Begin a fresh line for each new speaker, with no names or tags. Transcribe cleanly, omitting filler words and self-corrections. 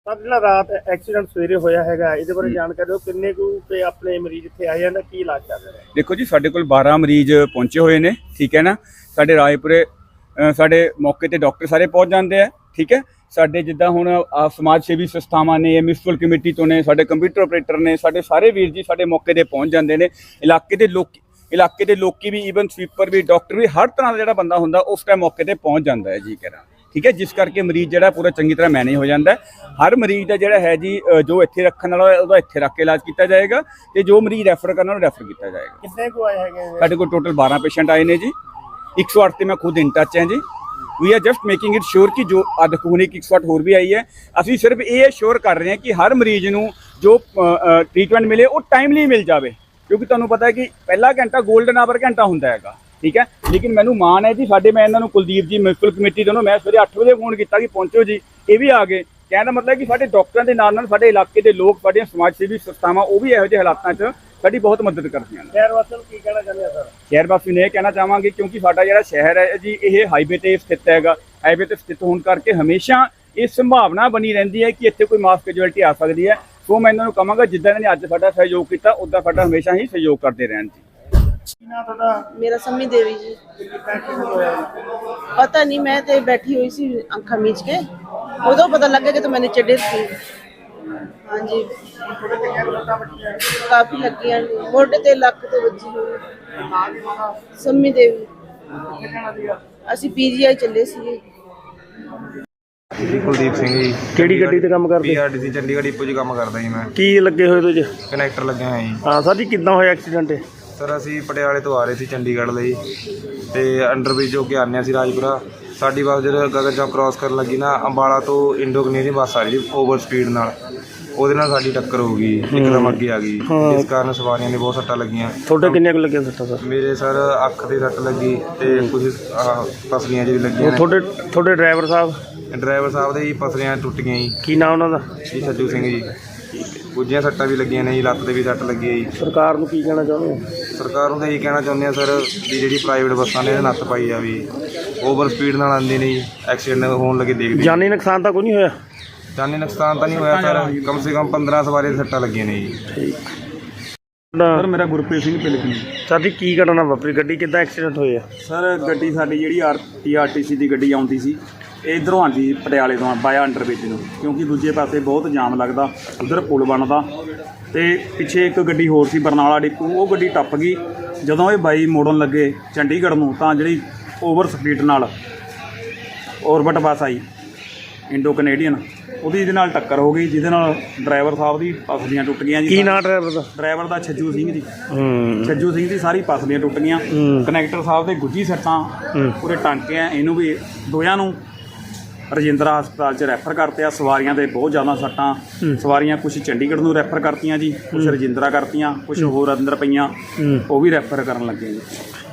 Sir ਜਿਹੜਾ ਰਾਤ accident ਸਵੇਰੇ ਹੋਇਆ ਹੈਗਾ ਇਹਦੇ ਬਾਰੇ ਜਾਣਕਾਰੀ ਦਿਓ। ਕਿੰਨੇ ਕੁ ਤੇ ਆਪਣੇ ਮਰੀਜ਼ ਇੱਥੇ ਆਏ ਹਨ, ਕੀ ਇਲਾਜ ਚੱਲ ਰਿਹਾ ਹੈ?
ਦੇਖੋ ਜੀ, ਸਾਡੇ ਕੋਲ 12 ਮਰੀਜ਼ ਪਹੁੰਚੇ ਹੋਏ ਨੇ। ਠੀਕ ਹੈ ਨਾ। ਸਾਡੇ ਰਾਏਪੁਰੇ ਸਾਡੇ ਮੌਕੇ ਤੇ ਡਾਕਟਰ ਸਾਰੇ ਪਹੁੰਚ ਜਾਂਦੇ ਆ। ਠੀਕ ਹੈ। ਸਾਡੇ ਜਿੱਦਾਂ ਹੁਣ ਸਮਾਜ ਸੇਵੀ ਸੰਸਥਾਵਾਂ ਨੇ, ਮਿਊਨਿਸਪਲ ਕਮੇਟੀ ਤੋਂ ਨੇ, ਸਾਡੇ ਕੰਪਿਊਟਰ ਆਪਰੇਟਰ ਨੇ, ਸਾਡੇ ਸਾਰੇ ਵੀਰ ਜੀ ਸਾਡੇ ਮੌਕੇ ਤੇ ਪਹੁੰਚ ਜਾਂਦੇ ਨੇ। ਇਲਾਕੇ ਦੇ ਲੋਕੀ ਵੀ, ਈਵਨ ਸਵੀਪਰ ਵੀ, ਡਾਕਟਰ ਵੀ, ਹਰ ਤਰ੍ਹਾਂ ਦਾ ਜਿਹੜਾ ਬੰਦਾ ਹੁੰਦਾ ਉਸ ਟਾਈਮ ਮੌਕੇ ਤੇ ਪਹੁੰਚ ਜਾਂਦਾ ਹੈ ਜੀ ਕਹਿਣਾ। ਠੀਕ ਹੈ। ਜਿਸ ਕਰਕੇ ਮਰੀਜ਼ ਜਿਹੜਾ ਪੂਰਾ ਚੰਗੀ ਤਰ੍ਹਾਂ ਮੈਨੇਜ ਹੋ ਜਾਂਦਾ ਹੈ। ਹਰ ਮਰੀਜ਼ ਦਾ ਜਿਹੜਾ ਹੈ ਜੀ ਜੋ ਇੱਥੇ ਰੱਖਣ ਵਾਲਾ ਉਹਦਾ ਇੱਥੇ ਰੱਖ ਕੇ ਇਲਾਜ ਕੀਤਾ ਜਾਏਗਾ ਤੇ ਜੋ ਮਰੀਜ਼ ਰੈਫਰ ਕਰਨਾ ਉਹਨੂੰ ਰੈਫਰ ਕੀਤਾ ਜਾਏਗਾ।
ਕਿੰਨੇ ਕੁ ਆਏ ਹੈਗੇ?
ਸਾਡੇ ਕੋਲ ਟੋਟਲ 12 ਪੇਸ਼ੈਂਟ ਆਏ ਨੇ ਜੀ। 108 ਤੇ ਮੈਂ ਖੁਦ ਇਨ ਟੱਚ ਹਾਂ ਜੀ। We are just making it sure ਕਿ ਜੋ ਅੱਜ ਖੂਨ 108 ਹੋਰ ਵੀ ਆਈ ਹੈ। ਅਸੀਂ ਸਿਰਫ ਇਹ ਸ਼ੋਰ ਕਰ ਰਹੇ ਹਾਂ ਕਿ ਹਰ ਮਰੀਜ਼ ਨੂੰ ਜੋ ਟ੍ਰੀਟਮੈਂਟ ਮਿਲੇ ਉਹ ਟਾਈਮਲੀ ਮਿਲ ਜਾਵੇ, ਕਿਉਂਕਿ ਤੁਹਾਨੂੰ ਪਤਾ ਹੈ ਕਿ ਪਹਿਲਾ ਘੰਟਾ ਗੋਲਡਨ ਆਵਰ ਘੰਟਾ ਹੁੰਦਾ ਹੈਗਾ। ਠੀਕ ਹੈ। ਲੇਕਿਨ ਮੈਨੂੰ ਮਾਣ ਹੈ ਜੀ ਸਾਡੇ, ਮੈਂ ਇਹਨਾਂ ਨੂੰ ਕੁਲਦੀਪ ਜੀ ਮਿਊਨਿਸਪਲ ਕਮੇਟੀ ਤੋਂ ਮੈਂ ਸਵੇਰੇ 8 ਵਜੇ ਫੋਨ ਕੀਤਾ ਕਿ ਪਹੁੰਚੋ ਜੀ, ਇਹ ਵੀ ਆ ਗਏ। ਕਹਿਣ ਦਾ ਮਤਲਬ ਕਿ ਸਾਡੇ ਡਾਕਟਰਾਂ ਦੇ ਨਾਲ ਨਾਲ ਸਾਡੇ ਇਲਾਕੇ ਦੇ ਲੋਕ, ਸਾਡੀਆਂ ਸਮਾਜ ਸੇਵੀ ਸੰਸਥਾਵਾਂ ਉਹ ਵੀ ਇਹੋ ਜਿਹੇ ਹਾਲਾਤਾਂ 'ਚ ਸਾਡੀ ਬਹੁਤ ਮਦਦ ਕਰਦੀਆਂ ਨੇ।
ਸ਼ਹਿਰ ਵਾਸੀਆਂ ਨੂੰ ਕੀ ਕਹਿਣਾ ਚਾਹੁੰਦੇ ਆ ਸਰ?
ਸ਼ਹਿਰ ਵਾਸੀ ਨੂੰ ਇਹ ਕਹਿਣਾ ਚਾਹਾਂਗੇ ਕਿਉਂਕਿ ਸਾਡਾ ਜਿਹੜਾ ਸ਼ਹਿਰ ਹੈ ਜੀ ਇਹ ਹਾਈਵੇ ਤੇ ਸਥਿਤ ਹੈਗਾ। ਹਾਈਵੇ ਤੇ ਸਥਿਤ ਹੋਣ ਕਰਕੇ ਹਮੇਸ਼ਾ ਇਹ ਸੰਭਾਵਨਾ ਬਣੀ ਰਹਿੰਦੀ ਹੈ ਕਿ ਇੱਥੇ ਕੋਈ ਮਾਸ ਕੈਜੁਅਲਟੀ ਆ ਸਕਦੀ ਹੈ। ਸੋ ਮੈਂ ਇਹਨਾਂ ਨੂੰ ਕਹਾਂਗਾ ਜਿੱਦਾਂ ਇਹਨਾਂ ਨੇ ਅੱਜ ਸਾਡਾ ਸਹਿਯੋਗ ਕੀਤਾ ਉੱਦਾਂ ਸਾਡਾ ਹਮੇਸ਼ਾ ਹੀ ਸਹਿਯੋਗ ਕਰਦੇ ਰਹਿਣ ਜੀ।
ਕੀ ਨਾਂ ਤੁਹਾਡਾ?
ਮੇਰਾ ਸੰਮੀ ਦੇवी जी।
ਕਿੱਦਾਂ ਕੀ ਹੋਇਆ?
पता नहीं, मैं तो बैठी हुई सी अखा मीच के, उदों पता लग गया कि तो मैंने चढ़े थी। हाँ जी,
ਤੁਹਾਡੇ ਕਿੰਨੀਆਂ ਕੁ ਲੱਤਾਂ ਵੱਜੀਆਂ?
काफी लगी मोटे ते लक ते वजी हुई।
ਨਾਂ ਕੀ ਪਤਾ?
संमी देवी।
ਕਿੱਥੇ ਜਾਣਾ ਸੀਗਾ?
ਅਸੀਂ PGI ਚੱਲੇ ਸੀ।
ਜੀ ਕੁਲਦੀਪ ਸਿੰਘ ਜੀ,
ਕਿਹੜੀ ਗੱਡੀ ਤੇ ਕੰਮ ਕਰਦੇ?
ਪੀਆਰਡੀਸੀ ਚੰਡੀਗੜ੍ਹ ਡਿਪੂ 'ਚ ਕੰਮ ਕਰਦਾ ਜੀ ਮੈਂ।
ਕੀ ਲੱਗੇ ਹੋਏ ਤੁਸੀਂ?
ਕਨੈਕਟਰ ਲੱਗਿਆ ਹੋਇਆ ਜੀ।
ਹਾਂ ਸਰ ਜੀ, ਕਿੱਦਾਂ ਹੋਇਆ ਐਕਸੀਡੈਂਟ?
ਸਰ ਅਸੀਂ ਪਟਿਆਲੇ ਤੋਂ ਆ ਰਹੇ ਸੀ ਚੰਡੀਗੜ੍ਹ ਲਈ ਤੇ ਅੰਡਰਬ੍ਰਿਜ ਹੋ ਕੇ ਆਉਂਦੇ ਸੀ ਰਾਜਪੁਰਾ। ਸਾਡੀ ਬੱਸ ਜਦੋਂ ਗਗਨ ਚੌਕ ਕ੍ਰਾਸ ਕਰਨ ਲੱਗੀ ਨਾ, ਅੰਬਾਲਾ ਤੋਂ ਇੰਡੋ ਕਨੇਡੀਅਨ ਬੱਸ ਆ ਰਹੀ ਸੀ ਓਵਰ ਸਪੀਡ ਨਾਲ, ਉਹਦੇ ਨਾਲ ਸਾਡੀ ਟੱਕਰ ਹੋ ਗਈ, ਇੱਕਦਮ ਅੱਗੇ ਆ ਗਈ। ਇਸ ਕਾਰਨ ਸਵਾਰੀਆਂ ਨੇ ਬਹੁਤ ਸੱਟਾਂ ਲੱਗੀਆਂ।
ਤੁਹਾਡੇ ਕਿੰਨੀਆਂ ਕੁ ਲੱਗੀਆਂ ਸੱਟਾਂ ਸਰ?
ਮੇਰੇ ਸਰ ਅੱਖ ਤੇ ਸੱਟ ਲੱਗੀ ਤੇ ਕੁਝ ਪਸਲੀਆਂ ਜਿਹੜੀ ਲੱਗੀਆਂ ਨੇ।
ਤੁਹਾਡੇ ਡਰਾਈਵਰ ਸਾਹਿਬ?
ਡਰਾਈਵਰ ਸਾਹਿਬ ਦੇ ਜੀ ਪਸਲੀਆਂ ਟੁੱਟ ਗਈਆਂ ਜੀ।
ਕੀ ਨਾਮ ਉਹਨਾਂ ਦਾ?
ਜੀ ਸੱਜੂ ਸਿੰਘ ਜੀ। ਕੁਝੀਆਂ ਸੱਟਾਂ ਵੀ ਲੱਗੀਆਂ ਨੇ ਜੀ, ਲੱਤ ਤੇ ਵੀ ਸੱਟ ਲੱਗੀ ਹੈ ਜੀ।
ਸਰਕਾਰ ਨੂੰ ਕੀ ਕਹਿਣਾ ਚਾਹੁੰਦੇ ਹੋ?
ਸਰਕਾਰ ਨੂੰ ਤਾਂ ਇਹੀ ਕਹਿਣਾ ਚਾਹੁੰਦੇ ਆ ਸਰ ਵੀ ਜਿਹੜੀ ਪ੍ਰਾਈਵੇਟ ਬੱਸਾਂ ਨੇ ਇਹਦੇ ਨੱਥ ਪਾਈ ਜਾਵੇ। ਓਵਰ ਸਪੀਡ ਨਾਲ ਆਉਂਦੇ ਨੇ ਜੀ, ਐਕਸੀਡੈਂਟ ਹੋਣ ਲੱਗੇ ਦੇਖਦੇ।
ਜਾਨੀ ਨੁਕਸਾਨ ਤਾਂ ਕੋਈ ਨਹੀਂ ਹੋਇਆ?
ਜਾਨੀ ਨੁਕਸਾਨ ਤਾਂ ਨਹੀਂ ਹੋਇਆ ਸਰ, ਕਮ ਸੇ ਕਮ 15 ਸਵਾਰੀ ਦੀਆਂ ਸੱਟਾਂ ਲੱਗੀਆਂ ਨੇ ਜੀ।
ਠੀਕ।
ਸਰ ਮੇਰਾ ਗੁਰਪ੍ਰੀਤ ਸਿੰਘ ਪਿਲਕਣੀ।
ਸਰ ਜੀ ਕੀ ਘਟਨਾ ਵਾਪਰੀ? ਗੱਡੀ ਕਿੱਦਾਂ ਐਕਸੀਡੈਂਟ ਹੋਇਆ?
ਸਰ ਗੱਡੀ ਸਾਡੀ ਜਿਹੜੀ ਆਰਟੀਸੀ ਦੀ ਗੱਡੀ ਆਉਂਦੀ ਸੀ, ਇਹ ਇੱਧਰੋਂ ਆਉਂਦੀ ਪਟਿਆਲੇ ਤੋਂ ਬਾਇਆ ਅੰਡਰਬ੍ਰਿਜ ਨੂੰ, ਕਿਉਂਕਿ ਦੂਜੇ ਪਾਸੇ ਬਹੁਤ ਜਾਮ ਲੱਗਦਾ, ਉਧਰ ਪੁਲ ਬਣਦਾ ਤੇ ਪਿੱਛੇ ਇੱਕ ਗੱਡੀ ਹੋਰ ਸੀ ਬਰਨਾਲਾ ਡਿਪੂ, ਉਹ ਗੱਡੀ ਟੱਪ ਗਈ। ਜਦੋਂ ਇਹ ਬਾਈ ਮੋੜਨ ਲੱਗੇ ਚੰਡੀਗੜ੍ਹ ਨੂੰ ਤਾਂ ਜਿਹੜੀ ਓਵਰ ਸਪੀਡ ਨਾਲ ਔਰਬਿਟ ਬੱਸ ਆਈ ਇੰਡੋ ਕਨੇਡੀਅਨ, ਉਹਦੀ ਇਹਦੇ ਨਾਲ ਟੱਕਰ ਹੋ ਗਈ, ਜਿਹਦੇ ਨਾਲ ਡਰਾਈਵਰ ਸਾਹਿਬ ਦੀ ਪਸਲੀਆਂ ਟੁੱਟ ਗਈਆਂ ਜੀ।
ਕੀ ਨਾਂ ਡਰਾਈਵਰ ਦਾ?
ਡਰਾਈਵਰ ਦਾ ਛੱਜੂ ਸਿੰਘ ਜੀ। ਛੱਜੂ ਸਿੰਘ ਦੀ ਸਾਰੀ ਪਸਲੀਆਂ ਟੁੱਟ ਗਈਆਂ। ਕਨੈਕਟਰ ਸਾਹਿਬ ਦੇ ਗੁੱਜੀ ਸੱਟਾਂ ਪੂਰੇ ਟਾਂਕੇ ਆ, ਇਹਨੂੰ ਵੀ ਦੋਹਾਂ ਨੂੰ ਰਜਿੰਦਰਾ ਹਸਪਤਾਲ 'ਚ ਰੈਫਰ ਕਰਤੇ ਆ। ਸਵਾਰੀਆਂ ਦੇ ਬਹੁਤ ਜ਼ਿਆਦਾ ਸੱਟਾਂ, ਸਵਾਰੀਆਂ ਕੁਝ ਚੰਡੀਗੜ੍ਹ ਨੂੰ ਰੈਫਰ ਕਰਤੀਆਂ ਜੀ, ਕੁਝ ਰਜਿੰਦਰਾ ਕਰਤੀਆਂ, ਕੁਝ ਹੋਰ ਅੰਦਰ ਪਈਆਂ, ਉਹ ਵੀ ਰੈਫਰ ਕਰਨ ਲੱਗੇ ਜੀ।